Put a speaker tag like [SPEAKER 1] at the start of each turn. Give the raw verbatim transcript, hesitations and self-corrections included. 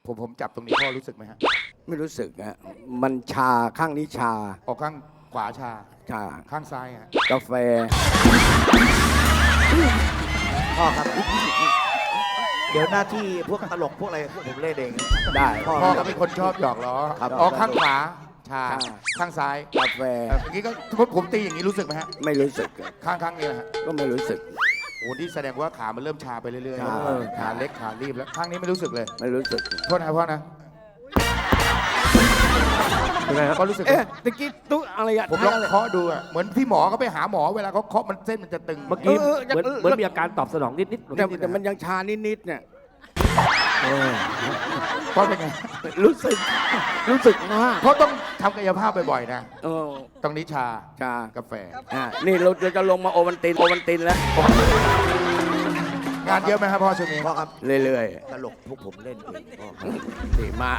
[SPEAKER 1] ผมผมจับตรงนี้พ่อรู้สึกไหมฮะ
[SPEAKER 2] ไม่รู้สึกฮะมันชาข้างนี้ชา
[SPEAKER 1] ออกข้างขวาชา
[SPEAKER 2] ชา
[SPEAKER 1] ข้างซ้ายฮะ
[SPEAKER 2] กาแฟ
[SPEAKER 3] พ่อครับ เดี๋ยวหน้าที่พวกตลกพวกอะไรพวกผมเล่นเอง
[SPEAKER 2] ได้
[SPEAKER 3] พ่อ
[SPEAKER 1] พ่อก็เป็นคนชอบหยอกล้อ
[SPEAKER 2] ครับ
[SPEAKER 1] ออกข้างขวาชา
[SPEAKER 2] ชา
[SPEAKER 1] ข้างซ้าย
[SPEAKER 2] กาแฟ
[SPEAKER 1] เอ่อเมื่อกี้ก็สมมติผมตีอย่างนี้รู้สึกไหมฮะ
[SPEAKER 2] ไม่รู้สึก
[SPEAKER 1] ข้างข้างนี้นะฮะ
[SPEAKER 2] ก็ไม่รู้สึก
[SPEAKER 1] โอ้นี่แสดงว่าขามันเริ่มชาไปเรื่อย
[SPEAKER 2] ชา
[SPEAKER 1] ๆขาเล็กขารีบแล้วข้างนี้ไม่รู้สึกเลย
[SPEAKER 2] ไม่รู้สึก
[SPEAKER 1] โทษนะพ่อนะก็รู้สึก
[SPEAKER 2] เอ๊ะตะกี้ตุ๊อะไรอะ
[SPEAKER 1] ผมลองเคาะดูอะเหมือนที่หมอเขาไปหาหมอเวลาเขาเคาะมันเส้นมันจะตึง
[SPEAKER 4] เมื่อกี้
[SPEAKER 2] เออ
[SPEAKER 4] เหมือน
[SPEAKER 2] เออ
[SPEAKER 4] เหมือนมีอาการตอบสนองนิดนิด
[SPEAKER 2] แต่แต่มันยังชานิดๆเนี่ย
[SPEAKER 1] พ่อเป็นไง
[SPEAKER 2] รู้สึก รู้สึกมาก
[SPEAKER 1] เขาต้องทำกายภาพบ่อยๆนะ
[SPEAKER 2] เออ
[SPEAKER 1] ตรงนี้ชา
[SPEAKER 2] ชาก
[SPEAKER 1] าแฟ
[SPEAKER 2] อ่านี่เราเราจะลงมาโอวันตินโอวันตินแล้ว
[SPEAKER 1] งานเยอะไหมครับพ่อช่วงนี้
[SPEAKER 3] พ่อครับ
[SPEAKER 2] เรื่อย
[SPEAKER 3] ตลกพวกผมเล่นเองพ่อ
[SPEAKER 2] ๆดีมาก